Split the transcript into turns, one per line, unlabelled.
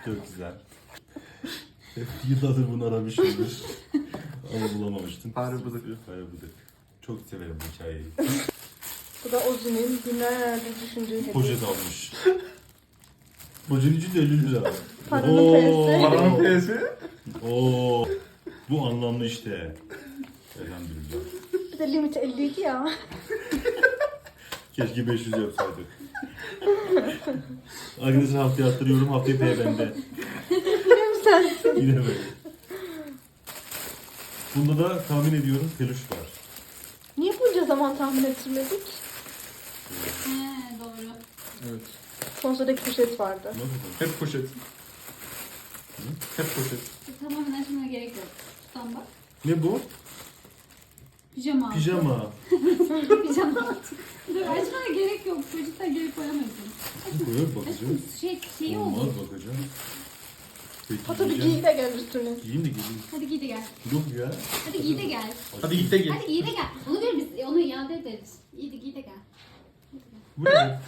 Çok güzel. Hep yıllardır bunu aramışımdır. Ama bulamamıştım.
Fare bıdık.
Fare bıdık. Çok severim bu hikayeyi.
Bu da Ozi'nin günlerdir düşündüğü hediye.
Poşet almış. Poşetin içinde 50 lira.
Paranın
Oo.
P'si.
Paranın P'si.
Oo. Bu anlamlı işte. Elhamdülillah.
Bir de limiti 52 ya.
Keşke 500 yapsaydık. Arkadaşlar haftaya attırıyorum. Haftaya P bende.
Yine mi sensin?
Yine böyle. Bunda da tahmin ediyorum peluş var.
Niye bunca zaman tahmin ettirmedik?
He doğru.
Evet.
Son sıradaki poşet vardı.
Nasıl?
Hep poşet. Hep poşet.
Tamamen açmana gerek yok. Tutan bak.
Ne bu?
Pijama altı.
Pijama.
Pijama altı. Dur açmana gerek yok. Çocuklar geri koyamıyorsun.
Koyuyor bakacağım.
Şeyi oldu.
Olmaz bakacağım. Peki,
Hatta bir
giyeceğim.
giy de gel üstüne.
Giyeyim de giyeyim.
Hadi giy de gel.
Yok ya.
Hadi giy de gel.
Hadi git de gel.
Hadi giy de gel. Onu ver biz. Onu iade ederiz. Giy de gel.
Bu ne?